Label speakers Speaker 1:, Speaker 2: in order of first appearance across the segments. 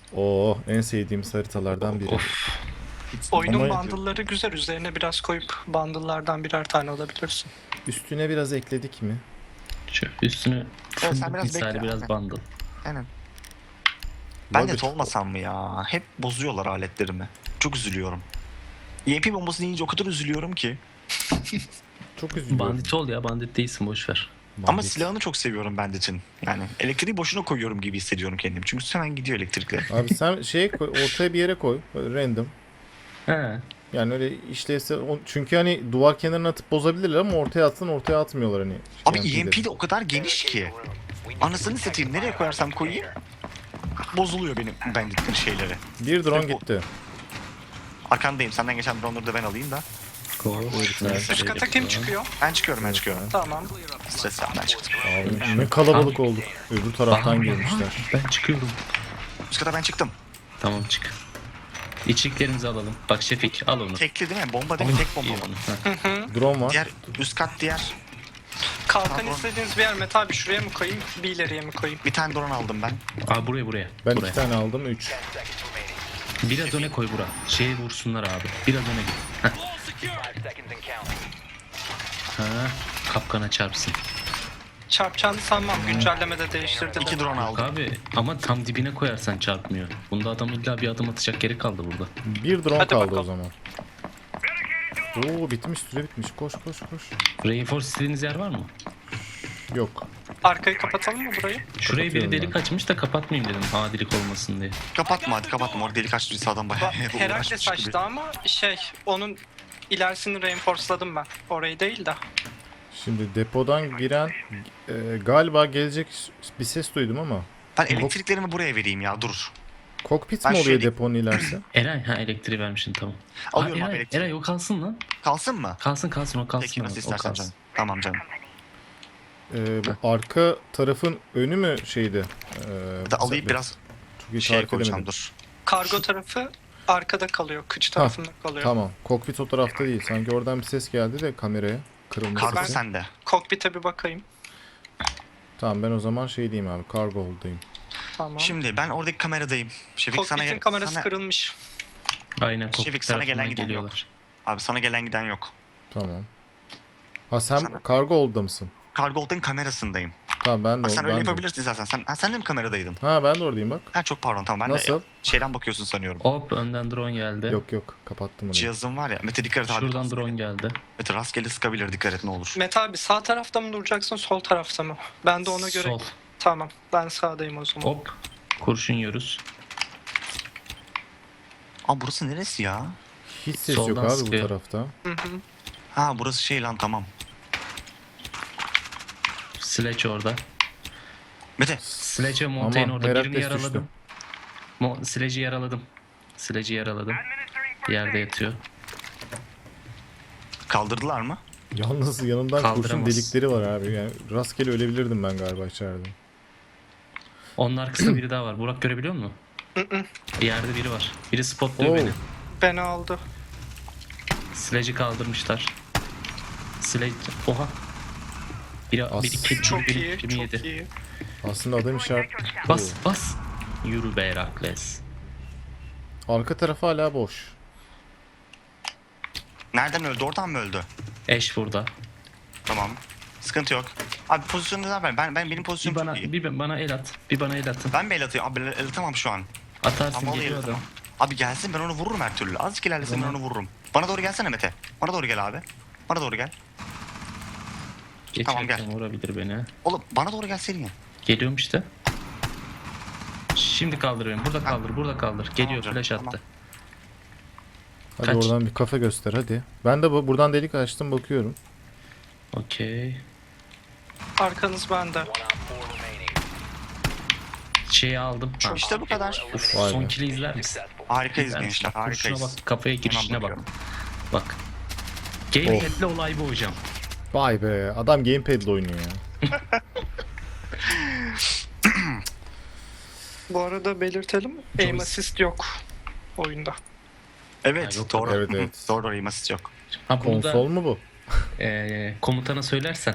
Speaker 1: Oo, en sevdiğimiz haritalardan biri.
Speaker 2: Of.
Speaker 3: Oyunun
Speaker 1: Ama-
Speaker 3: bundle'ları güzel. Üzerine biraz koyup bundle'lardan birer tane alabilirsin.
Speaker 1: Üstüne biraz ekledik mi?
Speaker 2: Şu üstünü
Speaker 4: Evet, sen
Speaker 2: fındık
Speaker 4: biraz
Speaker 2: misali
Speaker 4: bekle
Speaker 2: biraz
Speaker 4: abi.
Speaker 2: bundle.
Speaker 4: Aynen. Ben
Speaker 1: Buggy-
Speaker 4: net olmasam mı ya? Hep bozuyorlar aletlerimi. Çok üzülüyorum. EMP bombası deyince o kadar üzülüyorum ki.
Speaker 1: Çok üzülüyorum.
Speaker 2: Bandit ol ya, bandit değilsin, boşver.
Speaker 4: Ama
Speaker 1: Bandit.
Speaker 4: silahını çok seviyorum Bandit'in. Yani elektriği boşuna koyuyorum gibi hissediyorum kendimi. Çünkü hemen gidiyor elektrikle.
Speaker 1: Abi sen şey koy, ortaya bir yere koy. Böyle random.
Speaker 2: He.
Speaker 1: Yani öyle işlevse çünkü hani duvar kenarına atıp bozabilirler ama ortaya atsan ortaya atmıyorlar hani.
Speaker 4: Abi
Speaker 1: EMP'leri.
Speaker 4: EMP de o kadar geniş ki. Anasını satayım, nereye koyarsam koyayım bozuluyor benim Bandit'in şeyleri.
Speaker 1: Bir drone
Speaker 4: Ve bu-
Speaker 1: gitti.
Speaker 4: Arkandayım, senden geçen drone'ları da ben alayım da.
Speaker 3: Üst kata kim çıkıyor?
Speaker 4: Ben çıkıyorum.
Speaker 3: Tamam.
Speaker 4: Stres yapmadan çıktım.
Speaker 1: Abi, ne kalabalık olduk. Öbür taraftan girmişler.
Speaker 2: Ben çıkıyorum.
Speaker 4: Üst kata ben çıktım.
Speaker 2: Tamam, çık. İçliklerimizi alalım. Bak Şefik, al onu.
Speaker 4: Tekli değil mi? Bomba değil mi? Tek bomba
Speaker 2: İyi
Speaker 4: mı?
Speaker 2: onu. Heh.
Speaker 1: Drone var.
Speaker 4: Diğer üst kat diğer.
Speaker 3: Kalkan
Speaker 4: Tamam.
Speaker 3: istediğiniz bir yer mi? Tabii şuraya mı koyayım? Bir ileriye mi koyayım?
Speaker 4: Bir tane drone aldım ben.
Speaker 2: Aa, buraya.
Speaker 1: Ben
Speaker 2: buraya.
Speaker 1: 2 tane aldım 3.
Speaker 2: Biraz öne koy bura. Şeye vursunlar abi. Biraz öne git. Heh. Ha, kapkana çarpsın.
Speaker 3: Çarpacağını sanmam. Güncellemede değiştirdi de.
Speaker 4: 2 drone
Speaker 2: Yok
Speaker 4: aldım.
Speaker 2: abi, ama tam dibine koyarsan çarpmıyor. Bunda adam illa bir adım atacak yeri kaldı burada.
Speaker 1: Bir drone
Speaker 3: Hadi
Speaker 1: kaldı
Speaker 3: bakalım.
Speaker 1: o zaman. Oo bitmiş, süre bitmiş. Koş.
Speaker 2: Reinforce istediğiniz yer var mı?
Speaker 1: Yok.
Speaker 3: Arkayı kapatalım mı burayı?
Speaker 2: Şurayı biri
Speaker 1: Kapatıyorum
Speaker 2: delik açmış da kapatmayayım dedim. Adilik olmasın diye.
Speaker 4: Kapatma hadi kapatma. Orada delik açtıysa adam bayağı
Speaker 3: Herakles
Speaker 4: uğraşmış gibi.
Speaker 3: açtı ama onun ilerisini reinforceladım ben. Orayı değil de.
Speaker 1: Şimdi depodan giren galiba gelecek bir ses duydum ama.
Speaker 4: Ben elektriklerimi buraya vereyim ya, dur.
Speaker 1: Kokpit
Speaker 4: Ben
Speaker 1: mi oluyor
Speaker 4: şey-
Speaker 1: deponun ilerisi?
Speaker 2: Eray, ha, elektriği vermişsin, tamam.
Speaker 4: Alıyorum
Speaker 2: Aa,
Speaker 4: abi
Speaker 2: Eray,
Speaker 4: elektriği.
Speaker 2: Eray o kalsın lan.
Speaker 4: Kalsın mı?
Speaker 2: Kalsın o kalsın.
Speaker 4: Peki nasıl
Speaker 2: o
Speaker 4: istersen
Speaker 2: kalsın.
Speaker 4: canım. Tamam canım.
Speaker 1: Bu arka tarafın önü mü şeydi?
Speaker 4: Da alayım biraz
Speaker 1: Çok iyi
Speaker 4: şey
Speaker 1: tarif
Speaker 4: koyacağım
Speaker 1: edemedim.
Speaker 4: dur.
Speaker 3: Kargo tarafı arkada kalıyor. Kıç tarafında kalıyor.
Speaker 1: Tamam. Kokpit o tarafta değil. Sanki oradan bir ses geldi de kameraya. Kırılma
Speaker 4: Kargo
Speaker 1: sesi.
Speaker 4: sende.
Speaker 3: Kokpite bir bakayım.
Speaker 1: Tamam, ben o zaman şey diyeyim abi. Cargo hold'dayım.
Speaker 3: Tamam.
Speaker 4: Şimdi ben oradaki kameradayım. Şefik sana
Speaker 3: Kokpitin kamerası
Speaker 4: sana-
Speaker 3: kırılmış.
Speaker 2: Aynen,
Speaker 4: Şefik,
Speaker 2: kokpit
Speaker 4: sana gelen
Speaker 2: tarafından
Speaker 4: giden
Speaker 2: geliyorlar.
Speaker 4: Abi sana gelen giden yok.
Speaker 1: Tamam. Ha sen
Speaker 4: Sana-
Speaker 1: cargo hold'da mısın?
Speaker 4: Kargo Hold'un kamerasındayım.
Speaker 1: Tamam ben de
Speaker 4: Bak sen öyle
Speaker 1: ben de.
Speaker 4: yapabilirsin zaten. Sen de mi kameradaydın?
Speaker 1: Ha ben de oradayım bak.
Speaker 4: Ha çok pardon, tamam ben
Speaker 1: Nasıl?
Speaker 4: de şeyden bakıyorsun sanıyorum.
Speaker 2: Hop, önden drone geldi.
Speaker 1: Yok kapattım onu.
Speaker 4: Cihazın var ya. Mete dikkat et abi.
Speaker 2: Şuradan drone geldi.
Speaker 4: Mete rastgele sıkabilir, dikkat et ne olur.
Speaker 3: Mete abi sağ tarafta mı duracaksın sol tarafta mı? Ben de ona göre.
Speaker 2: Sol.
Speaker 3: Tamam. Ben sağdayım o zaman.
Speaker 2: Hop. Kurşun yiyoruz.
Speaker 4: Aa burası neresi ya?
Speaker 1: Hiç ses
Speaker 2: Soldan
Speaker 1: yok abi
Speaker 2: sıkıyor.
Speaker 1: bu tarafta.
Speaker 3: Hı hı.
Speaker 4: Ha burası şey lan, tamam.
Speaker 2: Sledge orada.
Speaker 4: Mete
Speaker 2: Sledge ve Montaigne
Speaker 1: Aman,
Speaker 2: orada.
Speaker 1: Herakles
Speaker 2: Birini
Speaker 1: düştü.
Speaker 2: yaraladım. Sledge'i yaraladım. Sledge'i yaraladım. Yerde yatıyor.
Speaker 4: kaldırdılar mı?
Speaker 1: Yalnız yanından kurşun
Speaker 2: Kaldıramaz.
Speaker 1: delikleri var abi. Yani rastgele ölebilirdim ben galiba içeride.
Speaker 2: Onun arkasında biri daha var. Burak görebiliyor musun? Yerde biri var. Biri spotluyor
Speaker 1: Oo.
Speaker 2: beni.
Speaker 3: Beni aldı.
Speaker 2: Sledge'i kaldırmışlar. Sledge... Oha. Biri iki,
Speaker 3: Çok
Speaker 2: biri
Speaker 3: iyi.
Speaker 2: kimi
Speaker 3: Çok
Speaker 2: yedi.
Speaker 3: iyi.
Speaker 1: Aslında adam işaret.
Speaker 2: Bas. Yürü be Herakles.
Speaker 1: Arka tarafı hala boş.
Speaker 4: Nereden öldü? Oradan mı öldü?
Speaker 2: Eş burada.
Speaker 4: Tamam. Sıkıntı yok. Abi pozisyonu da ver. Benim
Speaker 2: Bir
Speaker 4: pozisyonum
Speaker 2: bana,
Speaker 4: çok iyi.
Speaker 2: bir bana el at. Bir bana el atın.
Speaker 4: Ben mi el atayım? Abi el atamam şu an.
Speaker 2: Atarsın,
Speaker 4: Ama o
Speaker 2: geliyor
Speaker 4: el
Speaker 2: adam.
Speaker 4: atamam. Abi gelsin, ben onu vururum her türlü. Azıcık ilerlesin, ben
Speaker 2: Tamam.
Speaker 4: onu vururum. Bana doğru gelsene Mete. Bana doğru gel abi. Bana doğru gel. Tamam,
Speaker 2: Geçerken
Speaker 4: gel.
Speaker 2: vurabilir beni.
Speaker 4: Oğlum bana doğru gelseydin ya.
Speaker 2: Geliyorum işte. Şimdi kaldır beni. Burada kaldır. Geliyor,
Speaker 4: canım,
Speaker 2: flash
Speaker 4: tamam.
Speaker 2: attı.
Speaker 1: Hadi
Speaker 2: Kaç?
Speaker 1: oradan bir kafe göster hadi. Ben de buradan delik açtım bakıyorum.
Speaker 2: Okey.
Speaker 3: Arkanız bende.
Speaker 2: Şeyi aldım. Ha.
Speaker 4: İşte bu kadar.
Speaker 2: Uf,
Speaker 1: Vay
Speaker 2: son
Speaker 1: be.
Speaker 2: kili izler misin?
Speaker 4: Harikayız
Speaker 2: İzler misin?
Speaker 4: gençler,
Speaker 2: Bak, kurşuna
Speaker 4: harikayız.
Speaker 2: bak, kafaya girişine
Speaker 4: Hemen
Speaker 2: bak.
Speaker 4: bakıyorum.
Speaker 2: Bak. Gaming
Speaker 1: Oh.
Speaker 2: etle olay bu hocam.
Speaker 1: Vay be, adam gamepad'le oynuyor ya.
Speaker 3: Bu arada belirtelim. Aim assist yok oyunda.
Speaker 4: Evet,
Speaker 2: Ha, yok,
Speaker 4: doğru.
Speaker 1: evet, evet.
Speaker 4: Doğru, doğru, imasit yok.
Speaker 2: Ha, bunu
Speaker 1: Konsol
Speaker 2: da
Speaker 1: mu bu?
Speaker 2: komutana söylersen.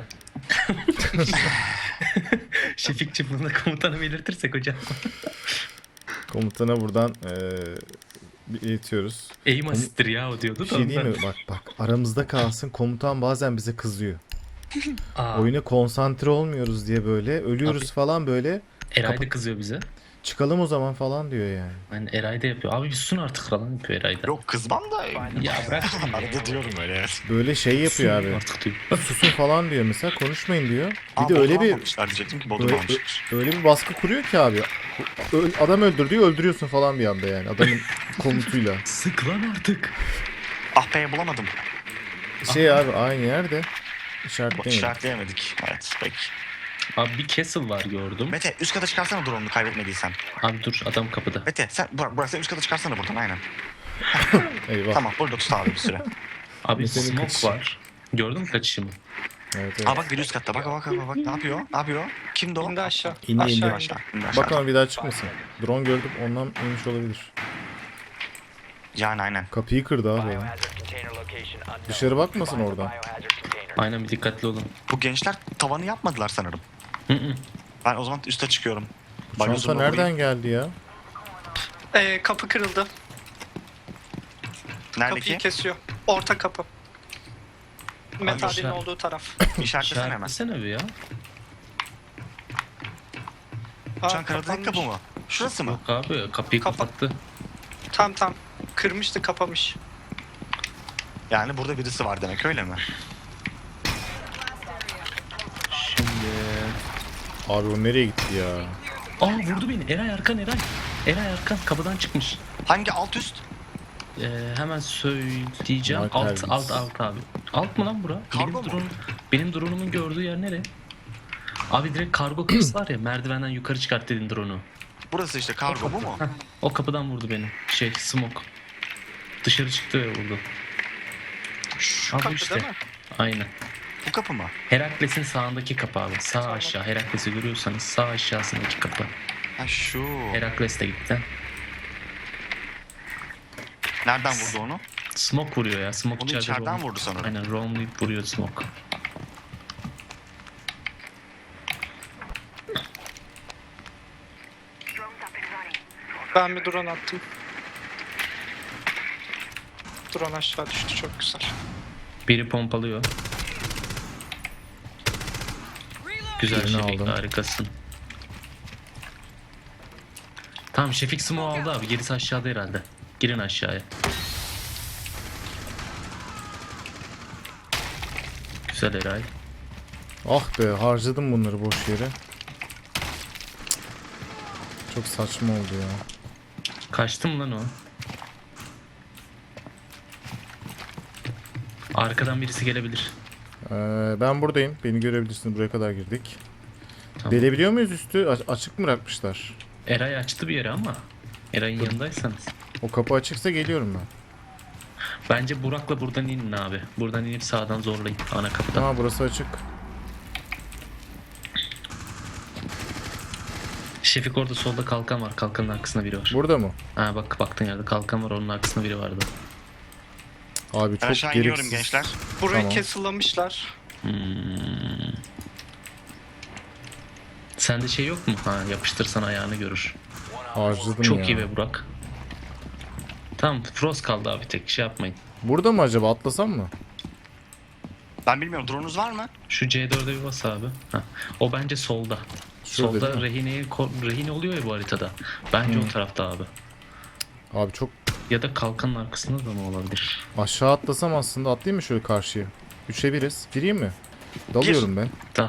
Speaker 2: Şefikçi bunu da komutana belirtirsek hocam.
Speaker 1: Komutana buradan iletiyoruz.
Speaker 2: Aim assist'tir ya o diyordu
Speaker 1: Bir
Speaker 2: da
Speaker 1: şey değil
Speaker 2: ondan.
Speaker 1: mi? Bak aramızda kalsın, komutan bazen bize kızıyor.
Speaker 2: Aa,
Speaker 1: Oyuna konsantre olmuyoruz diye böyle ölüyoruz
Speaker 2: Abi.
Speaker 1: falan böyle.
Speaker 2: Eray da kızıyor bize.
Speaker 1: Çıkalım o zaman falan diyor yani.
Speaker 2: Yani Eray da yapıyor. Abi bir susun artık falan yapıyor Eray da.
Speaker 4: Yok kızmam da.
Speaker 2: Ya bırak şimdi.
Speaker 4: Arada diyorum öyle.
Speaker 1: Böyle şey yapıyor
Speaker 2: Susun
Speaker 1: abi.
Speaker 2: artık diyor.
Speaker 1: Susun falan diyor mesela, konuşmayın diyor. Bir
Speaker 4: Aa,
Speaker 1: de öyle
Speaker 4: Bodrum
Speaker 1: bir
Speaker 4: almamışlar diyecektim ki Bodrum
Speaker 1: öyle,
Speaker 4: almışlar.
Speaker 1: öyle bir baskı kuruyor ki abi. Adam öldür diyor, öldürüyorsun falan bir anda yani adamın komutuyla.
Speaker 2: Sık lan artık.
Speaker 4: Ah be bulamadım.
Speaker 1: Şey abi aynı yerde
Speaker 4: Bak,
Speaker 1: işaretlemedim.
Speaker 4: işaretleyemedik. Evet peki.
Speaker 2: Abi bir castle var gördüm.
Speaker 4: Mete üst kata çıkarsana drone'unu kaybetmediysen.
Speaker 2: Abi dur adam kapıda.
Speaker 4: Mete sen Burak sen üst kata çıkarsana buradan aynen.
Speaker 1: Eyvah.
Speaker 4: Tamam burada tut abi bir süre.
Speaker 2: Abi
Speaker 1: Mete'nin
Speaker 2: smoke
Speaker 1: kaçışı.
Speaker 2: var. Gördün mü kaçışımı?
Speaker 1: Evet, evet.
Speaker 4: Aa bak biri üst katta bak ne yapıyor? Ne yapıyor? Kimdi o?
Speaker 3: İndi aşağı.
Speaker 1: İndi,
Speaker 3: aşağı
Speaker 1: indi.
Speaker 3: indi.
Speaker 4: İndi aşağı.
Speaker 1: Bakalım bir daha çıkmasın. Drone gördüm, ondan inmiş olabilir.
Speaker 4: Yani aynen.
Speaker 1: Kapıyı kırdı abi ya. Dışarı bakmasın oradan.
Speaker 2: Aynen bir dikkatli olun.
Speaker 4: Bu gençler tavanı yapmadılar sanırım.
Speaker 2: Hı hı.
Speaker 4: Ben o zaman üste çıkıyorum.
Speaker 1: Çanta
Speaker 4: Banyozuma
Speaker 1: nereden
Speaker 4: vurayım.
Speaker 1: geldi ya?
Speaker 3: Kapı kırıldı.
Speaker 4: Nerede
Speaker 3: Kapıyı
Speaker 4: ki?
Speaker 3: kesiyor. Orta kapı. Metalin
Speaker 2: işaret-
Speaker 3: olduğu taraf.
Speaker 4: İşaretlesene hemen.
Speaker 2: İşaretlesene bir ya.
Speaker 4: Şu an karadaki kapı mı? Şurası mı?
Speaker 2: Yok abi kapıyı
Speaker 3: Kapa-
Speaker 2: kapattı.
Speaker 3: Tam. Kırmıştı, kapamış.
Speaker 4: Yani burada birisi var demek öyle mi?
Speaker 2: Şimdi...
Speaker 1: Abi o nereye gitti ya?
Speaker 2: Aa vurdu beni. Eray arkan Eray. Eray arkan kapıdan çıkmış.
Speaker 4: Hangi alt üst?
Speaker 2: Hemen söyleyeceğim.
Speaker 1: Mark
Speaker 2: Alt
Speaker 1: Elvis.
Speaker 2: abi. Alt mı lan bura?
Speaker 4: Kargo mu?
Speaker 2: Benim drone'umun gördüğü yer nere? Abi direkt kargo kapısı var ya, merdivenden yukarı çıkart dedin drone'u.
Speaker 4: Burası işte kargo bu mu?
Speaker 2: Heh, o kapıdan vurdu beni. Smoke. Dışarı çıktı ve vurdu.
Speaker 4: Şu
Speaker 2: Abi
Speaker 3: kapı
Speaker 2: işte.
Speaker 3: değil mi?
Speaker 2: Aynen.
Speaker 4: bu kapı mı?
Speaker 2: Herakles'in sağındaki kapı abi. Sağ aşağı. Herakles'i görüyorsanız sağ aşağısındaki kapı.
Speaker 4: Ha şu.
Speaker 2: Herakles de gitti.
Speaker 4: Nereden vurdu onu?
Speaker 2: Smoke vuruyor ya. Smoke
Speaker 4: Onu
Speaker 2: içeride
Speaker 4: içeriden
Speaker 2: roam-
Speaker 4: vurdu sanırım.
Speaker 2: Aynen roamlayıp vuruyor Smoke.
Speaker 3: Ben bir drone attım. Drone aşağı düştü, çok güzel.
Speaker 2: Biri pompalıyor. Güzel
Speaker 1: Birini
Speaker 2: Şefik,
Speaker 1: aldım.
Speaker 2: harikasın. Tamam Şefik Smoke aldı abi. Gerisi aşağıda herhalde. Girin aşağıya. Güzel Eray.
Speaker 1: Ah be, harcadım bunları boş yere. Çok saçma oldu ya.
Speaker 2: Kaçtı mı lan o? Arkadan birisi gelebilir.
Speaker 1: Ben buradayım. Beni görebilirsiniz. Buraya kadar girdik.
Speaker 2: Tamam.
Speaker 1: Delebiliyor muyuz üstü? Açık mı bırakmışlar?
Speaker 2: Eray açtı bir yere ama. Eray'ın yanındaysanız.
Speaker 1: O kapı açıksa geliyorum ben.
Speaker 2: Bence Burak'la buradan inin abi. Buradan inip sağdan zorlayın ana kapıdan.
Speaker 1: Tamam, burası açık.
Speaker 2: Şefik orada solda kalkan var. Kalkanın arkasında biri var.
Speaker 1: Burada mı?
Speaker 2: Ha bak baktığın yerde kalkan var, onun arkasında biri vardı.
Speaker 1: Abi
Speaker 4: Ben
Speaker 1: çok
Speaker 4: aşağı iniyorum
Speaker 1: gereksiz.
Speaker 4: gençler.
Speaker 3: Burayı
Speaker 1: Tamam.
Speaker 3: castle'lamışlar.
Speaker 2: Sende şey yok mu? Ha yapıştırsan ayağını görür.
Speaker 1: Harcadım
Speaker 2: Çok
Speaker 1: ya.
Speaker 2: iyi be Burak. Tamam Frost kaldı abi, tek şey yapmayın.
Speaker 1: Burada mı acaba? Atlasam mı?
Speaker 4: Ben bilmiyorum drone'unuz var mı?
Speaker 2: Şu C4'e bir bas abi. Ha. O bence solda.
Speaker 1: Şurada
Speaker 2: Solda
Speaker 1: değil mi?
Speaker 2: rehine oluyor ya bu haritada. Bence o tarafta abi.
Speaker 1: Abi çok
Speaker 2: Ya da kalkanın arkasında da mı olabilir?
Speaker 1: aşağı atlasam aslında, atlayayım mı şöyle karşıya? 3'e 1'iz. Gireyim mi? Dalıyorum ben.
Speaker 2: Dal.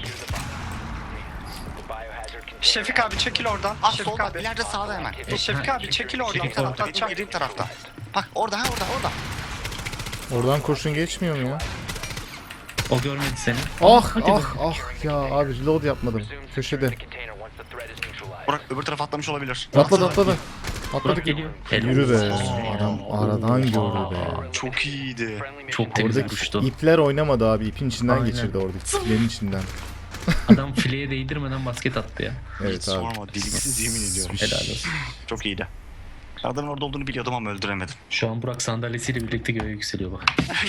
Speaker 3: Şefik abi çekil oradan.
Speaker 4: Ah
Speaker 3: Şefik
Speaker 4: solda
Speaker 3: abi.
Speaker 4: ileride sağda hemen.
Speaker 3: Şefik abi çekil oradan.
Speaker 2: Şefik
Speaker 3: Taraftan
Speaker 2: orada.
Speaker 3: atacağım.
Speaker 4: Benim tarafta. Bak orada orada.
Speaker 1: Oradan kurşun geçmiyor mu ya?
Speaker 2: O görmedi seni.
Speaker 1: Ah
Speaker 2: Hadi be.
Speaker 1: ah ya abi, reload yapmadım. Köşede.
Speaker 4: Burak öbür tarafa atlamış olabilir.
Speaker 1: Atladı.
Speaker 2: Burak
Speaker 1: Atladık.
Speaker 2: geliyor.
Speaker 1: Yürü be. Adam aradan gördü be.
Speaker 4: Çok iyiydi.
Speaker 2: Çok temiz
Speaker 1: Oradaki
Speaker 2: vuruştu.
Speaker 1: ipler oynamadı abi. İpin içinden
Speaker 2: Aynen.
Speaker 1: geçirdi orada. İplerin içinden.
Speaker 2: Adam fileye değdirmeden basket attı ya.
Speaker 1: Evet
Speaker 4: Hiç
Speaker 1: abi.
Speaker 4: sorma deliksiz yemin ediyorum.
Speaker 2: Helal olsun.
Speaker 4: Çok iyiydi. Adamın orada olduğunu biliyordum ama öldüremedim.
Speaker 2: Şu an Burak sandalyesiyle birlikte göğe yükseliyor bak.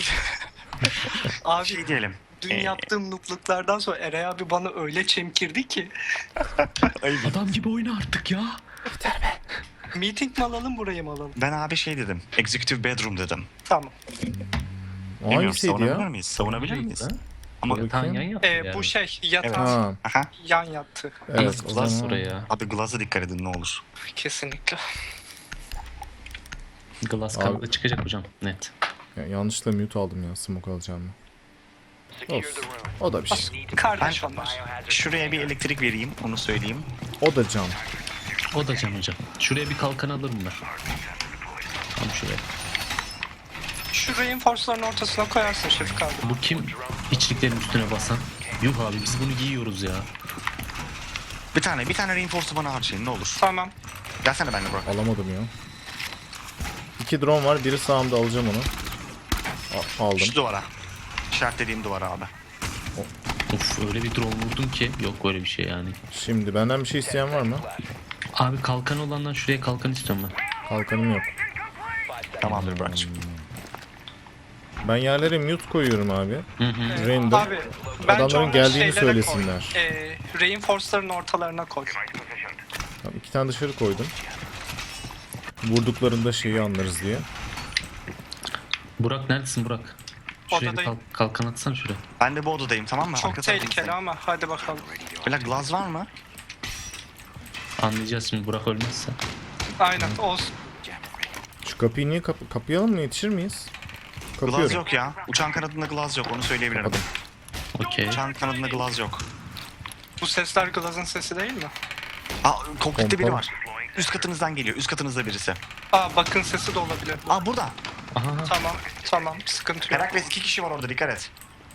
Speaker 3: Abi
Speaker 4: Şey diyelim.
Speaker 3: dün yaptığım nutluklardan sonra Eray abi bana öyle çemkirdi ki.
Speaker 4: Ayıp.
Speaker 2: Adam gibi oyna artık ya.
Speaker 3: Meeting mi alalım, burayı mı alalım?
Speaker 4: Ben abi şey dedim. Executive bedroom dedim.
Speaker 3: Tamam.
Speaker 1: O
Speaker 4: Bilmiyorum,
Speaker 1: hangisiydi
Speaker 4: savunabilir
Speaker 1: ya?
Speaker 4: miyiz? Savunabilir miyiz?
Speaker 2: Ha?
Speaker 4: Ama
Speaker 1: Dur
Speaker 2: Tan yan
Speaker 1: bakayım.
Speaker 2: yattı yani.
Speaker 3: Bu şey
Speaker 1: Evet.
Speaker 3: yatağı
Speaker 1: Ha,
Speaker 4: aha.
Speaker 3: yan yattı.
Speaker 1: evet. O
Speaker 2: Glass
Speaker 1: zaman
Speaker 2: buraya.
Speaker 4: Abi glass'a dikkat edin ne olur.
Speaker 3: Kesinlikle.
Speaker 2: Glass
Speaker 1: Abi-
Speaker 2: kavga çıkacak hocam. Net.
Speaker 1: yanlışlıkla mute aldım ya smoke alacağım. Olsun. O da bir şey.
Speaker 3: Kardeş onlar.
Speaker 4: Şuraya bir elektrik vereyim onu söyleyeyim.
Speaker 1: O da cam.
Speaker 2: O da can hocam. Şuraya bir kalkan alırım ben. Tam şuraya.
Speaker 3: Şu reinforce'ların ortasına koyarsın Şefik abi.
Speaker 2: Bu kim içliklerin üstüne basan? Yuh abi biz bunu giyiyoruz ya.
Speaker 4: Bir tane reinforce'u bana harcayın ne olur.
Speaker 3: Tamam.
Speaker 4: Gelsene benimle Burak.
Speaker 1: Alamadım ya. 2 drone var. Biri sağımda, alacağım onu. Aldım.
Speaker 4: Şu duvara. İşaretlediğim duvara abi.
Speaker 2: Of öyle bir drone vurdum ki. Yok öyle bir şey yani.
Speaker 1: Şimdi benden bir şey isteyen var mı?
Speaker 2: Abi kalkan olandan şuraya kalkan istiyorum ben.
Speaker 1: Kalkanım yok.
Speaker 4: Tamamdır Burak'cığım.
Speaker 1: Ben yerlere mute koyuyorum abi.
Speaker 2: Hı hı.
Speaker 1: Random.
Speaker 3: Abi bence
Speaker 1: Adamların
Speaker 3: onu
Speaker 1: geldiğini
Speaker 3: şeylere
Speaker 1: söylesinler.
Speaker 3: Koy. Reinforce'ların ortalarına koy.
Speaker 1: Tamam, 2 tane dışarı koydum. Vurduklarında şeyi anlarız diye.
Speaker 2: Burak neredesin Burak? Şuraya bir
Speaker 3: Odadayım.
Speaker 2: kalkan atsana şuraya.
Speaker 4: Ben de bu odadayım tamam mı?
Speaker 3: Çok
Speaker 4: Arka
Speaker 3: tehlikeli
Speaker 4: tarafımızdayım.
Speaker 3: ama hadi bakalım.
Speaker 4: Böyle glass var mı?
Speaker 2: Anlayacağız şimdi Burak ölmezse.
Speaker 3: Aynen olsun.
Speaker 1: Şu kapıyı niye kapayalım mı? Yetişir miyiz?
Speaker 4: Glass
Speaker 1: Kapıyorum.
Speaker 4: yok ya. Uçağın kanadında glass yok onu söyleyebilirim.
Speaker 1: Kapadım.
Speaker 2: Okey.
Speaker 4: Uçağın kanadında glass yok.
Speaker 3: Bu sesler Glaz'ın sesi değil mi?
Speaker 4: Aa kokpitte biri
Speaker 1: Pompalı.
Speaker 4: var. Üst katınızdan geliyor. Üst katınızda birisi.
Speaker 3: Bakın sesi de olabilir.
Speaker 4: Aa burada.
Speaker 2: Aha.
Speaker 3: Tamam sıkıntı yok.
Speaker 4: Herakles 2 kişi var orada dikkat et.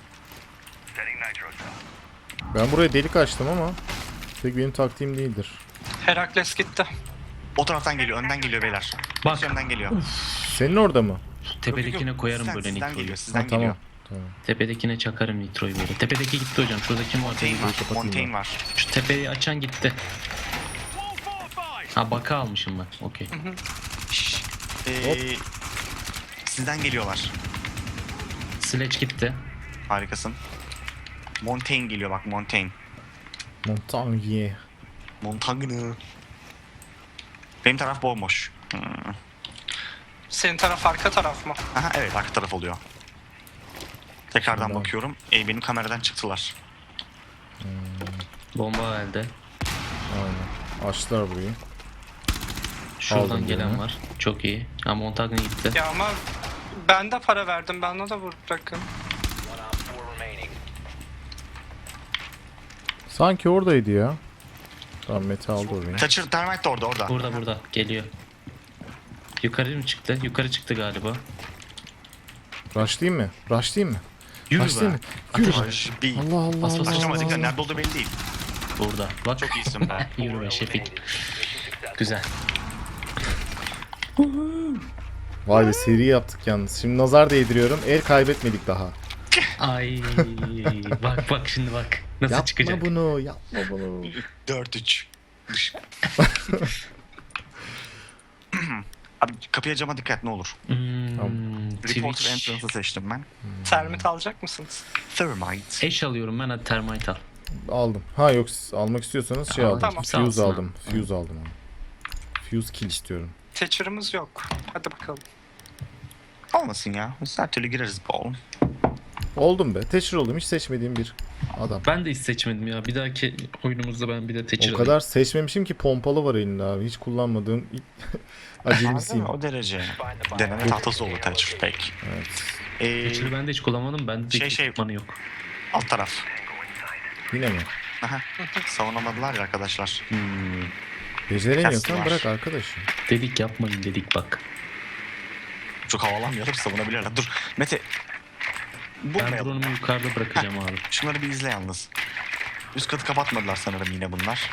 Speaker 1: Ben buraya delik açtım ama pek benim taktiğim değildir.
Speaker 3: Herakles gitti.
Speaker 4: O taraftan geliyor. Önden geliyor beyler.
Speaker 2: Bak.
Speaker 4: Hepsi önden geliyor.
Speaker 1: Senin orada mı?
Speaker 2: Tepedekine
Speaker 4: Yok,
Speaker 2: koyarım
Speaker 4: sizden,
Speaker 2: böyle
Speaker 4: sizden
Speaker 2: nitroyu.
Speaker 4: geliyor. Sizden
Speaker 1: Ha, tamam.
Speaker 4: geliyor.
Speaker 1: Tamam.
Speaker 2: Tepedekine çakarım nitroyu böyle. Tepedeki gitti hocam. Şurada kim var?
Speaker 4: Montaigne var.
Speaker 1: kapatayım
Speaker 4: Montaigne var.
Speaker 2: Şu tepeyi açan gitti. Ha baka almışım ben. Okey.
Speaker 4: Şşş.
Speaker 1: Hop.
Speaker 4: Sizden geliyorlar.
Speaker 2: Sledge gitti.
Speaker 4: Harikasın. Montaigne geliyor bak Montaigne.
Speaker 1: Montagne.
Speaker 4: Montagne. Benim taraf bomboş.
Speaker 3: Senin taraf arka taraf mı?
Speaker 4: Aha evet arka taraf oluyor. Tekrardan
Speaker 1: Tamam.
Speaker 4: bakıyorum. Benim kameradan çıktılar.
Speaker 2: Bomba elde.
Speaker 1: Aynen. Açtılar burayı.
Speaker 2: Şuradan
Speaker 1: Aldım
Speaker 2: gelen
Speaker 1: birini.
Speaker 2: var. Çok iyi. Ha Montagne gitti.
Speaker 3: Ya ama ben de para verdim. Ben ona da bırakın.
Speaker 1: Sanki oradaydı ya. Tamam Mete aldı orayı.
Speaker 4: Thatcher Termite de orada.
Speaker 2: Burada. Geliyor. Yukarı mı çıktı? Yukarı çıktı galiba.
Speaker 1: Rushlayayım mı? Rushlayayım mı?
Speaker 2: Yürü
Speaker 1: Rushlayayım
Speaker 2: be.
Speaker 1: mı? Yürü.
Speaker 4: Ateş, bir.
Speaker 1: Allah Allah
Speaker 2: Bas, bas,
Speaker 1: Allah
Speaker 2: bas.
Speaker 4: Açamadık da
Speaker 1: Allah.
Speaker 4: nerede olduğu belli değil.
Speaker 2: Burada. Bak.
Speaker 4: Çok iyisin be.
Speaker 2: Yürü be Şefik. Güzel.
Speaker 1: Vay be seri yaptık yalnız. Şimdi nazar değdiriyorum. El kaybetmedik daha.
Speaker 2: Ay bak şimdi bak. Nasıl
Speaker 1: Yapma
Speaker 2: çıkacak?
Speaker 1: bunu. Yapma bunu.
Speaker 4: 4-3. Abi kapıya cama dikkat ne olur.
Speaker 1: Tamam.
Speaker 4: Report
Speaker 2: Twitch.
Speaker 4: entrance'ı seçtim ben.
Speaker 3: Termit alacak mısınız?
Speaker 4: Thermite.
Speaker 2: Eş alıyorum ben hadi termite al.
Speaker 1: Aldım. Ha yok siz almak istiyorsanız şey
Speaker 2: Aa,
Speaker 1: aldım.
Speaker 3: tamam.
Speaker 1: Fuse
Speaker 2: Sağ olsun
Speaker 1: aldım. Fuse aldım onu. Fuse kill istiyorum.
Speaker 3: Thatcher'ımız yok. Hadi bakalım.
Speaker 4: Olmasın ya. Biz her türlü gireriz bu oğlum.
Speaker 1: Oldum be. Thatcher oldum. Hiç seçmediğim bir adam.
Speaker 2: Ben de hiç seçmedim ya. Bir dahaki oyunumuzda ben bir de Thatcher
Speaker 1: O kadar seçmemişim ki pompalı var elinde abi. Hiç kullanmadığım ilk acemisiyim.
Speaker 4: O derece. Deneme tahtası olur Thatcher pek.
Speaker 1: Evet.
Speaker 2: Thatcher'ı ben de hiç kullanmadım. Bende de
Speaker 4: Şey-
Speaker 2: ekipmanı yok.
Speaker 4: Alt taraf.
Speaker 1: Yine mi?
Speaker 4: Aha. Savunamadılar ya arkadaşlar.
Speaker 1: Beceremiyorsan
Speaker 4: Kastı var.
Speaker 1: bırak arkadaşım.
Speaker 2: Dedik yapmayın dedik bak.
Speaker 4: Çok havalanmayalım savunabilirler. Dur Mete. Bu
Speaker 2: Ben
Speaker 4: ne?
Speaker 2: drone'umu yukarıda bırakacağım abi.
Speaker 4: Şunları bir izle yalnız. Üst katı kapatmadılar sanırım yine bunlar.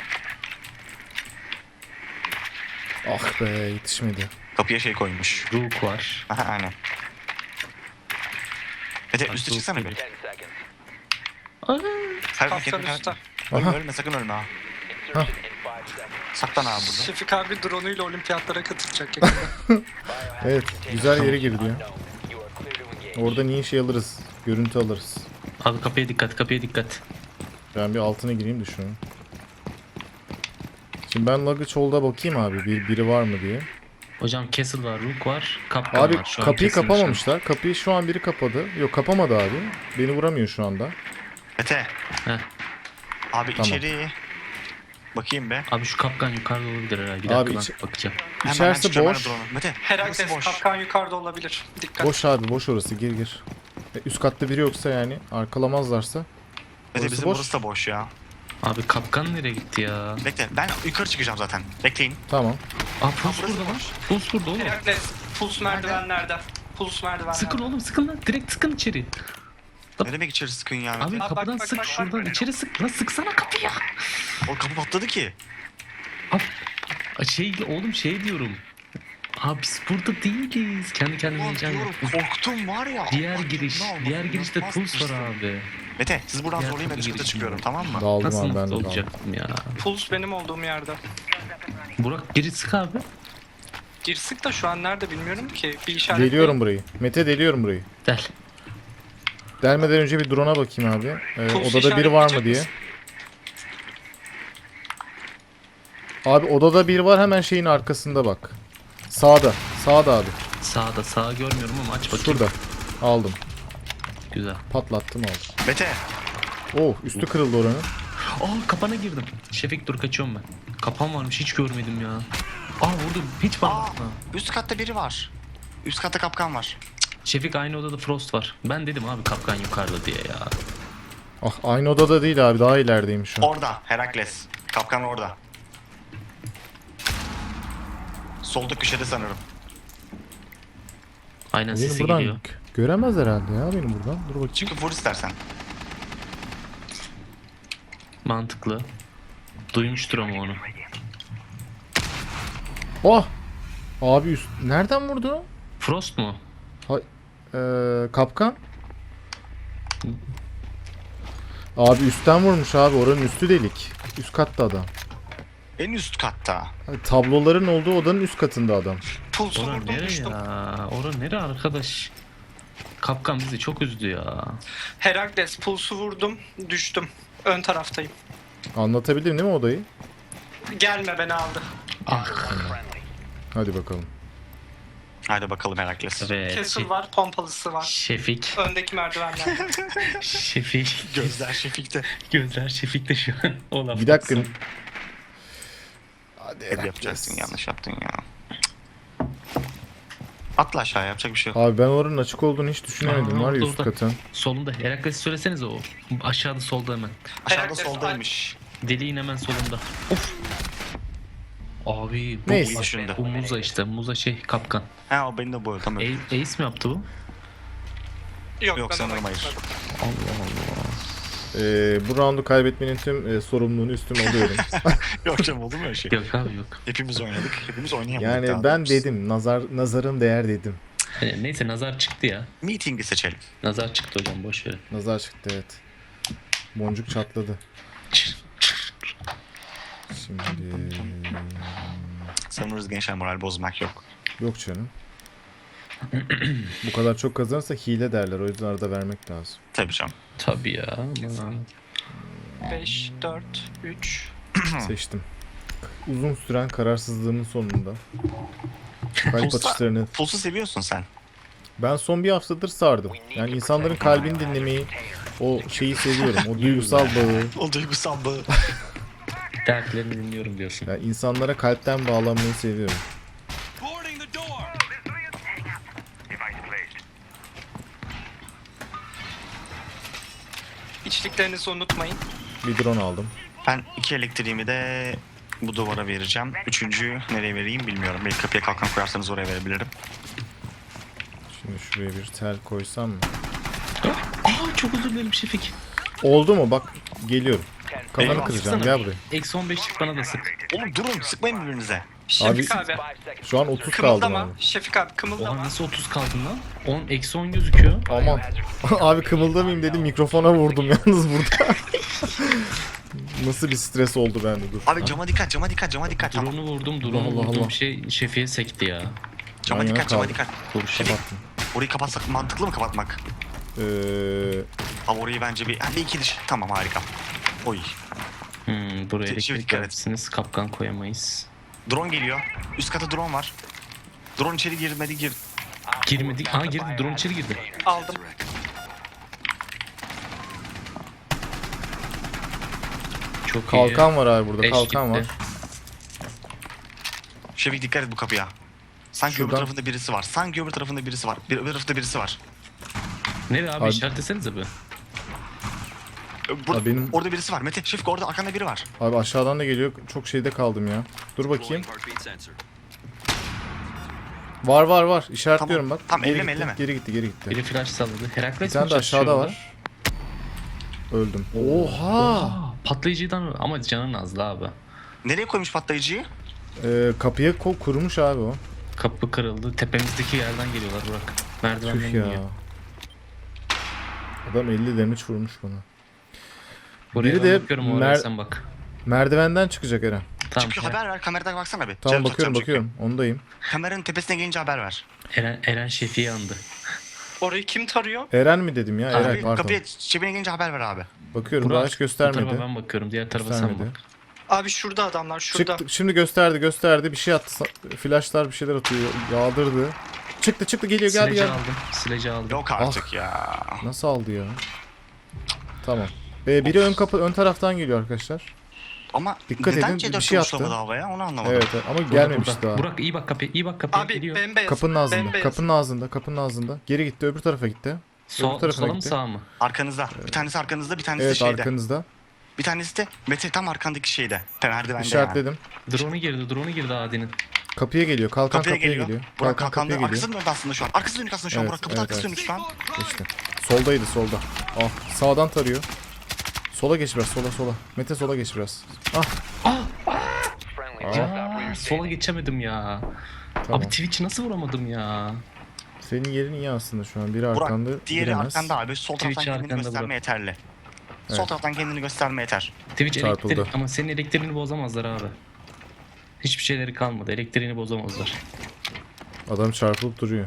Speaker 1: Ah be yetişmedi.
Speaker 4: Kapıya şey koymuş.
Speaker 2: Rook var.
Speaker 4: Aha aynen. Mete
Speaker 2: Bak,
Speaker 4: üstü
Speaker 2: Rook
Speaker 4: çıksana bir.
Speaker 2: geliyor.
Speaker 4: Sen
Speaker 3: Kaptan üstte.
Speaker 4: Ölme
Speaker 1: Aha.
Speaker 4: ölme sakın ölme ha.
Speaker 1: Hah.
Speaker 4: Saklan abi burada.
Speaker 3: Şefik abi drone'uyla olimpiyatlara katılacak yakında.
Speaker 1: Evet güzel yere girdi ya. Oradan iyi şey alırız. Görüntü alırız.
Speaker 2: Abi kapıya dikkat kapıya dikkat.
Speaker 1: Ben bir altına gireyim de şunu. Şimdi ben Luggage Hold'a bakayım abi. Biri var mı diye.
Speaker 2: Hocam Castle var, Rook var, Kapkan
Speaker 1: Abi
Speaker 2: var. Şu an
Speaker 1: kapıyı
Speaker 2: Castle'ın
Speaker 1: kapamamışlar. Kapıyı şu an biri kapadı. Yok kapamadı abi. Beni vuramıyor şu anda.
Speaker 4: Mete.
Speaker 2: Heh.
Speaker 4: Abi
Speaker 1: Tamam.
Speaker 4: içeri. Bakayım be.
Speaker 2: Abi şu Kapkan yukarıda olabilir herhalde. Bir
Speaker 1: Abi
Speaker 2: dakika ben bakacağım.
Speaker 1: İçerisi
Speaker 4: çıkacağım ben
Speaker 1: boş.
Speaker 4: de drone'u. Mete. burası
Speaker 3: Herakles
Speaker 4: boş.
Speaker 3: kapkan yukarıda olabilir. Dikkat.
Speaker 1: Boş abi boş orası gir. Üst katta biri yoksa yani arkalamazlarsa.
Speaker 4: Mete
Speaker 1: Orası
Speaker 4: bizim
Speaker 1: boş.
Speaker 4: burası da boş ya.
Speaker 2: Abi Kapkan nereye gitti ya?
Speaker 4: Bekle ben yukarı çıkacağım zaten. Bekleyin.
Speaker 1: Tamam.
Speaker 2: Aa Puls
Speaker 4: burası
Speaker 2: burada lan.
Speaker 4: boş.
Speaker 2: Puls burada oğlum.
Speaker 3: Herakles puls merdivenlerde. Puls merdivenlerde.
Speaker 2: Sıkın oğlum sıkın lan. Direkt sıkın içeri.
Speaker 4: Ne demek içeri sıkın ya Mete?
Speaker 2: Abi
Speaker 3: bak,
Speaker 2: kapıdan
Speaker 3: bak,
Speaker 2: sık
Speaker 3: bak,
Speaker 2: şuradan
Speaker 3: bak.
Speaker 2: içeri sık. Lan sıksana kapıyı.
Speaker 4: O kapı patladı ki.
Speaker 2: Oğlum şey diyorum. Abi biz burada değiliz. Kendi kendime
Speaker 4: Ulan
Speaker 2: diyeceğim.
Speaker 4: diyorum korktum var ya.
Speaker 2: Diğer
Speaker 4: Bak,
Speaker 2: giriş.
Speaker 4: ne oldu?
Speaker 2: Diğer girişte
Speaker 4: İnanılmaz
Speaker 2: Puls var
Speaker 4: hırslı.
Speaker 2: abi.
Speaker 4: Mete siz buradan
Speaker 2: Diğer
Speaker 4: zorlayın ben
Speaker 2: kapı
Speaker 4: üst kata
Speaker 2: girişi.
Speaker 4: çıkıyorum tamam mı?
Speaker 1: Dağıldım
Speaker 2: Nasıl
Speaker 1: abi ben de
Speaker 2: mutlu
Speaker 1: dağıldım.
Speaker 2: olacaktım ya.
Speaker 3: Puls benim olduğum yerde.
Speaker 2: Burak geri sık abi.
Speaker 3: Girsik de şu an nerede bilmiyorum ki. Bir işaret
Speaker 1: Deliyorum burayı. Mete deliyorum burayı.
Speaker 2: Del.
Speaker 1: Delmeden önce bir drone'a bakayım abi.
Speaker 3: Pulse
Speaker 1: Odada biri var mı
Speaker 3: işaretleyecek
Speaker 1: diye.
Speaker 3: misin?
Speaker 1: Abi odada biri var hemen şeyin arkasında bak. Sağda. Sağda abi.
Speaker 2: Sağda sağa görmüyorum ama aç bakayım.
Speaker 1: Şurada. Aldım.
Speaker 2: Güzel.
Speaker 1: Patlattım aldım.
Speaker 4: Mete.
Speaker 1: Oh üstü kırıldı oranın.
Speaker 2: Aa kapana girdim. Şefik dur kaçıyorum ben. Kapan varmış hiç görmedim ya. Aa vurdum hiç
Speaker 4: Aa,
Speaker 2: bakmadım.
Speaker 4: üst katta biri var. Üst katta kapkan var.
Speaker 2: Şefik aynı odada Frost var. Ben dedim abi kapkan yukarıda diye ya.
Speaker 1: Ah aynı odada değil abi daha ilerideyim şu an.
Speaker 4: Orada Herakles. Kapkan orada. Solda köşede sanırım.
Speaker 2: Aynen
Speaker 1: Beni
Speaker 2: sesi
Speaker 1: buradan
Speaker 2: geliyor.
Speaker 1: göremez herhalde ya beni buradan. Dur bakayım.
Speaker 4: Çıkıp vur istersen.
Speaker 2: Mantıklı. Duymuştur ama onu.
Speaker 1: Oh! Abi üst... Nereden vurdu?
Speaker 2: Frost mu?
Speaker 1: Kapkan. Abi üstten vurmuş abi oranın üstü delik. Üst katta adam.
Speaker 4: En üst katta.
Speaker 1: Abi, tabloların olduğu odanın üst katında adam.
Speaker 3: Puls'u
Speaker 2: Ora
Speaker 3: vurdum
Speaker 2: nere
Speaker 3: düştüm.
Speaker 2: ya? Ora nere arkadaş? Kapkan bizi çok üzdü ya.
Speaker 3: Herakles puls'u vurdum düştüm. Ön taraftayım.
Speaker 1: Anlatabildim değil mi odayı?
Speaker 3: Gelme beni aldı.
Speaker 2: Ah.
Speaker 1: Hadi bakalım.
Speaker 4: Hadi bakalım Herakles.
Speaker 2: Evet.
Speaker 3: Castle var, pompalısı var.
Speaker 2: Şefik.
Speaker 3: Öndeki merdivenler.
Speaker 2: Şefik.
Speaker 4: Gözler Şefik'te.
Speaker 2: Gözler Şefik'te şu an. O laf
Speaker 1: Bir dakika.
Speaker 2: atsın.
Speaker 1: Hadi
Speaker 4: Hep yapacaksın yanlış yaptın ya. Atla aşağı yapacak bir şey yok.
Speaker 1: Abi ben oranın açık olduğunu hiç düşünemedim
Speaker 2: Aa,
Speaker 1: var ya
Speaker 2: orada,
Speaker 1: üst
Speaker 2: orada.
Speaker 1: katın.
Speaker 2: Solunda. Herakles'i söylesenize o. Aşağıda solda hemen.
Speaker 4: Aşağıda
Speaker 3: Herakles,
Speaker 4: soldaymış.
Speaker 2: Deliğin hemen solunda. Of. Abi bu,
Speaker 1: Neyse.
Speaker 4: Başında.
Speaker 2: bu Muza işte. Muza şey kapkan.
Speaker 4: Ha o beni de boyuyor tamam.
Speaker 2: Ace mi yaptı bu?
Speaker 3: Yok,
Speaker 4: Yok,
Speaker 3: ben
Speaker 4: sanırım
Speaker 3: ona
Speaker 4: hayır.
Speaker 3: gitmedim.
Speaker 2: Allah Allah.
Speaker 1: Bu roundu kaybetmenin tüm sorumluluğunu üstüme alıyorum.
Speaker 4: Yok canım oldu mu öyle şey?
Speaker 2: Yok abi yok.
Speaker 4: Hepimiz oynadık. Hepimiz oynayamadık.
Speaker 1: Yani
Speaker 4: daha
Speaker 1: ben
Speaker 4: doğrusu.
Speaker 1: dedim nazarın değer dedim.
Speaker 2: Neyse nazar çıktı ya.
Speaker 4: Meeting'i seçelim.
Speaker 2: Nazar çıktı hocam boş ver.
Speaker 1: Nazar çıktı evet. Boncuk çatladı. Şimdi
Speaker 4: Sanırız gençler moral bozmak yok.
Speaker 1: yok canım. Bu kadar çok kazanırsa hile derler. O yüzden arada vermek lazım.
Speaker 4: Tabii canım.
Speaker 2: Tabii ya ama.
Speaker 3: 5, 4, 3.
Speaker 1: Seçtim. Uzun süren kararsızlığımın sonunda. Kalp atışlarını.
Speaker 4: Puls'u seviyorsun sen.
Speaker 1: Ben son bir haftadır sardım. Yani insanların kalbini dinlemeyi, o şeyi seviyorum. O duygusal bağı.
Speaker 4: O duygusal bağı.
Speaker 2: Dertlerini dinliyorum diyorsun.
Speaker 1: Yani insanlara kalpten bağlanmayı seviyorum.
Speaker 3: İçliklerinizi unutmayın.
Speaker 1: Bir drone aldım.
Speaker 4: Ben 2 elektriğimi de bu duvara vereceğim. Üçüncüyü nereye vereyim bilmiyorum. Belki kapıya kalkan koyarsanız oraya verebilirim.
Speaker 1: Şimdi şuraya bir tel koysam mı?
Speaker 2: Aa çok özür dilerim Şefik.
Speaker 1: Oldu mu? Bak geliyorum. Kafanı
Speaker 4: Eyvah,
Speaker 1: kıracağım.
Speaker 2: sıksana.
Speaker 1: Gel buraya.
Speaker 2: Eksi 15'lik bana da sık.
Speaker 4: Oğlum durun sıkmayın birbirinize.
Speaker 3: Şefik abi.
Speaker 1: Şu an 30 kaldım
Speaker 3: Kımıldama.
Speaker 1: abi.
Speaker 3: Şefik abi
Speaker 2: Oha
Speaker 3: kımıldama.
Speaker 2: nasıl 30 kaldın lan? 10 eksi 10 gözüküyor.
Speaker 1: Aman. Abi kımıldamayayım dedim mikrofona vurdum yalnız burada. Nasıl bir stres oldu bende dur.
Speaker 4: Abi cama dikkat, cama dikkat, cama dikkat. Cama,
Speaker 2: Drone'u vurdum, drone'u
Speaker 1: Allah
Speaker 2: vurdum.
Speaker 1: Allah.
Speaker 2: Şey Şefik'e sekti ya.
Speaker 4: cama
Speaker 1: Yan yana
Speaker 4: dikkat, cama
Speaker 1: kaldım.
Speaker 4: dikkat.
Speaker 2: Dur Şefik.
Speaker 1: Kapattım.
Speaker 4: Orayı kapatsak mantıklı mı kapatmak?
Speaker 1: Ee,
Speaker 4: Abi orayı bence bir... Hadi iki diş. Tamam harika. Oy.
Speaker 2: Buraya
Speaker 4: Şimdi
Speaker 2: elektrik
Speaker 4: dikkat et.
Speaker 2: verirsiniz. Kapkan koyamayız.
Speaker 4: Drone geliyor. Üst kata drone var. Drone içeri girmedi gir.
Speaker 2: Girmedik. Aa girdi. Drone içeri girdi.
Speaker 3: Aldım.
Speaker 2: Çok iyi.
Speaker 1: Kalkan var abi burada.
Speaker 2: Eş
Speaker 1: Kalkan var.
Speaker 2: gitti.
Speaker 4: Şefik dikkat et bu kapıya. Sanki öbür
Speaker 1: Şuradan-
Speaker 4: tarafında birisi var. Sanki öbür tarafında birisi var. Öbür tarafta birisi var.
Speaker 2: Nereye abi,
Speaker 1: Abi-
Speaker 2: işaretlesenize bir.
Speaker 4: Burada,
Speaker 1: benim-
Speaker 4: orada birisi var. Mete Şefik orada arkanda biri var.
Speaker 1: Abi aşağıdan da geliyor. Çok şeyde kaldım ya. Dur bakayım. Var var var. İşaretliyorum
Speaker 4: Tamam.
Speaker 1: bak.
Speaker 4: Tamam,
Speaker 1: Geri
Speaker 4: elleme,
Speaker 1: gitti,
Speaker 4: elleme.
Speaker 1: Geri gitti, geri gitti.
Speaker 2: Biri flash salladı.
Speaker 1: Bir
Speaker 2: Herakles
Speaker 1: tane
Speaker 2: mi
Speaker 1: de aşağıda
Speaker 2: çalışıyorlar?
Speaker 1: var. Öldüm. Oha!
Speaker 2: Patlayıcıdan ama canın azdı abi.
Speaker 4: Nereye koymuş patlayıcıyı?
Speaker 1: Kapıya kurmuş abi o.
Speaker 2: Kapı kırıldı. Tepemizdeki yerden geliyorlar Burak. Merdivenden
Speaker 1: Tüh ya.
Speaker 2: iniyor.
Speaker 1: Adam 50 damage vurmuş bana.
Speaker 2: Buraya
Speaker 1: Biri
Speaker 2: ben
Speaker 1: de
Speaker 2: bakıyorum, oraya sen bak.
Speaker 1: Merdivenden çıkacak Eren.
Speaker 2: Tamam.
Speaker 4: Çünkü haber ver, kameradan baksana bir.
Speaker 1: Tamam
Speaker 4: Canım
Speaker 1: bakıyorum
Speaker 4: tutacağım
Speaker 1: bakıyorum. Ondayım.
Speaker 4: çünkü. Kameranın tepesine gelince haber ver.
Speaker 2: Eren Şefi'yi andı.
Speaker 3: Orayı kim tarıyor?
Speaker 1: Eren mi dedim ya? Eren
Speaker 4: Abi,
Speaker 1: pardon.
Speaker 4: kapıya cebine gelince haber ver abi.
Speaker 1: Bakıyorum
Speaker 2: Burak,
Speaker 1: daha hiç
Speaker 2: bu
Speaker 1: göstermedi.
Speaker 2: tarafa ben bakıyorum. Diğer tarafa sen
Speaker 1: Göstermedi.
Speaker 2: bak.
Speaker 3: Abi şurada adamlar şurada.
Speaker 1: Çıktı, şimdi gösterdi. Bir şey attı. Flashlar bir şeyler atıyor. Yağdırdı. Çıktı geliyor geldi
Speaker 2: Sileci
Speaker 1: geldi.
Speaker 2: aldım. Sileci aldım.
Speaker 4: Yok artık ya.
Speaker 1: Nasıl aldı ya? Tamam. Biri ön taraftan geliyor arkadaşlar.
Speaker 4: Ama
Speaker 1: Dikkat
Speaker 4: neden
Speaker 1: edin,
Speaker 4: C4
Speaker 1: bir şey
Speaker 4: uçlamadı
Speaker 1: attı.
Speaker 4: havaya onu anlamadım.
Speaker 1: Evet ama
Speaker 2: Burada,
Speaker 1: gelmemiş
Speaker 2: burada.
Speaker 1: daha.
Speaker 2: Burak iyi bak kapıya. İyi bak kapıya.
Speaker 3: Abi
Speaker 2: Geliyor.
Speaker 3: bembeyaz.
Speaker 1: Kapının ağzında.
Speaker 3: Bembeyaz.
Speaker 1: Kapının ağzında. Geri gitti öbür tarafa gitti. öbür tarafına
Speaker 2: Sola mı
Speaker 1: gitti.
Speaker 2: sağ mı?
Speaker 4: Arkanızda. Bir tanesi arkanızda, bir tanesi de
Speaker 1: Evet
Speaker 4: şeyde.
Speaker 1: arkanızda.
Speaker 4: Bir tanesi de Mete tam arkandaki şeyde. Merdivende yani.
Speaker 1: İşaretledim.
Speaker 2: Drone'u girdi Adi'nin.
Speaker 1: Kapıya geliyor. Kalkan
Speaker 4: Kapıya
Speaker 1: kapıya
Speaker 4: geliyor.
Speaker 1: geliyor.
Speaker 4: Burak
Speaker 1: Kalkan
Speaker 4: kalkanlı.
Speaker 1: kapıya geliyor.
Speaker 4: Arkası dönük aslında şu an. Arkası dönük aslında şu an.
Speaker 1: Evet,
Speaker 4: Burak kapının
Speaker 1: evet,
Speaker 4: arkası
Speaker 1: evet.
Speaker 4: dönük şu an.
Speaker 1: İşte. Soldaydı solda. Ah sağdan tarıyor. Sola geç biraz sola. Mete sola geç biraz. Ah
Speaker 2: Ya sola geçemedim ya.
Speaker 1: tamam.
Speaker 2: Abi Twitch'i nasıl vuramadım ya?
Speaker 1: Senin yerin iyi aslında şu an. Biri arkanda
Speaker 4: Burak diğeri
Speaker 1: giremez.
Speaker 4: arkanda abi. Sol taraftan
Speaker 2: Twitch
Speaker 4: kendini
Speaker 2: arkanda
Speaker 4: gösterme
Speaker 2: Burak.
Speaker 4: yeterli. Sol
Speaker 1: Evet.
Speaker 4: taraftan kendini gösterme yeter.
Speaker 2: Twitch
Speaker 1: Çarpıldı.
Speaker 2: elektrik ama senin elektriğini bozamazlar abi. Hiçbir şeyleri kalmadı. Elektriğini bozamazlar.
Speaker 1: Adam çarpılıp duruyor.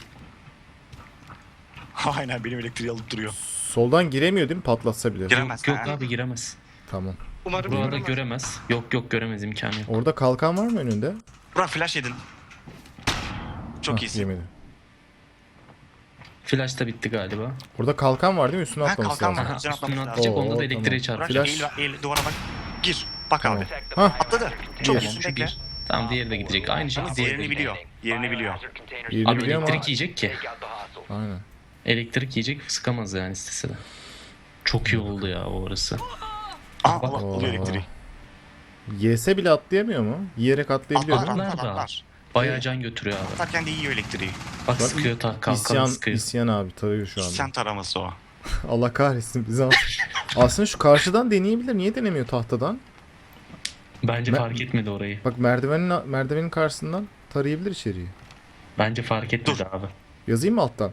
Speaker 4: Aynen benim elektriği alıp duruyor.
Speaker 1: Soldan giremiyor değil mi patlatsa bile?
Speaker 4: Giremez.
Speaker 2: Yok
Speaker 4: ha.
Speaker 2: abi giremez.
Speaker 1: Tamam.
Speaker 3: Umarım
Speaker 2: Burada
Speaker 3: göremez.
Speaker 2: göremez. Yok göremez, imkanı yok.
Speaker 1: Orada kalkan var mı önünde?
Speaker 4: Burak flash yedin. Çok
Speaker 1: Hah,
Speaker 4: iyisin.
Speaker 1: Yemedi.
Speaker 2: Flash da bitti galiba.
Speaker 1: Orada kalkan var değil mi? Üstüne
Speaker 4: Ha,
Speaker 1: atlaması
Speaker 4: kalkan
Speaker 1: lazım.
Speaker 4: var.
Speaker 2: Aha,
Speaker 4: Can
Speaker 2: üstüne
Speaker 4: atlaması
Speaker 2: atacak,
Speaker 1: lazım.
Speaker 2: onda da
Speaker 1: Oo,
Speaker 2: elektriğe
Speaker 1: tamam.
Speaker 2: çarpıyor.
Speaker 4: Burak
Speaker 1: Flash.
Speaker 4: eğil duvara bak. Gir. Bak
Speaker 1: Tamam.
Speaker 4: abi.
Speaker 1: Hah
Speaker 4: Atladı. Çok
Speaker 1: Bir.
Speaker 4: iyisin
Speaker 2: Şu
Speaker 4: bekle.
Speaker 2: bir. Tamam diğeri de gidecek. Aynı şekilde diğeri de
Speaker 4: Yerini
Speaker 2: gidecek.
Speaker 4: biliyor. Yerini biliyor.
Speaker 1: yerini
Speaker 2: Abi
Speaker 1: biliyor ama.
Speaker 2: elektrik yiyecek ki.
Speaker 1: Aynen.
Speaker 2: Elektrik yiyecek, sıkamaz yani istese de. Çok iyi oldu ya o orası.
Speaker 4: Aa
Speaker 2: Bak.
Speaker 4: Allah alıyor elektriği.
Speaker 1: Yese bile atlayamıyor mu? Yiyerek atlayabiliyor
Speaker 4: Atlar
Speaker 1: değil mi?
Speaker 2: Atlar da.
Speaker 4: atlar.
Speaker 2: Bayağı can götürüyor abi.
Speaker 4: Atlarken de yiyor elektriği.
Speaker 2: Bak
Speaker 1: Bak,
Speaker 2: sıkıyor kalkanı
Speaker 1: İsyan,
Speaker 2: sıkıyor.
Speaker 1: isyan abi tarıyor şu anda.
Speaker 4: İsyan taraması o.
Speaker 1: Allah kahretsin bizi al. Aslında şu karşıdan deneyebilir. Niye denemiyor tahtadan?
Speaker 2: Bence
Speaker 1: Ben-
Speaker 2: fark etmedi orayı.
Speaker 1: Bak merdivenin karşısından tarayabilir içeriği.
Speaker 2: Bence fark etmedi abi.
Speaker 1: Yazayım mı alttan?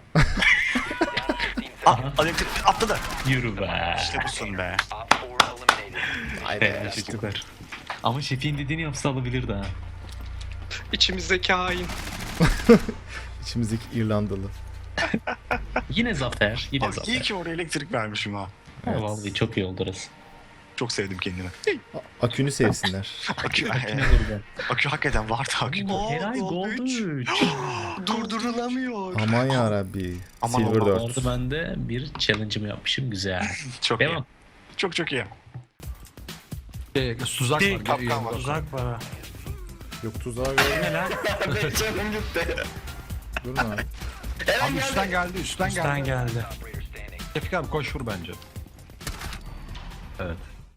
Speaker 4: Elektrik atladı.
Speaker 2: Yürü be.
Speaker 4: İşte busun be.
Speaker 2: Süper. Ama şefin dediğini yapsa alabilirdi ha.
Speaker 3: İçimizdeki hain.
Speaker 1: İçimizdeki İrlandalı.
Speaker 2: Yine zafer. Yine
Speaker 4: Abi iyi
Speaker 2: zafer.
Speaker 4: ki oraya elektrik vermişim ha.
Speaker 2: Ha, vallahi çok iyi oldu orası.
Speaker 4: Çok sevdim kendimi.
Speaker 1: Akünü sevsinler.
Speaker 4: Akü, akü hakikaten vardı akü.
Speaker 2: Heray Gold 3.
Speaker 4: Durdurulamıyor.
Speaker 1: Aman yarabbi.
Speaker 4: Aman
Speaker 1: Silver
Speaker 4: aman.
Speaker 1: 4.
Speaker 2: Orada ben de bir challenge'ımı yapmışım. Güzel.
Speaker 4: Çok iyi.
Speaker 2: Devam.
Speaker 4: Çok iyi.
Speaker 5: Tuzak
Speaker 4: Değil,
Speaker 5: var.
Speaker 4: kapkan var.
Speaker 5: Tuzak var ha.
Speaker 1: Yok tuzağa göre. Durma abi.
Speaker 5: Abi üstten geldi, üstten geldi. Şefik abi koş vur bence. Evet.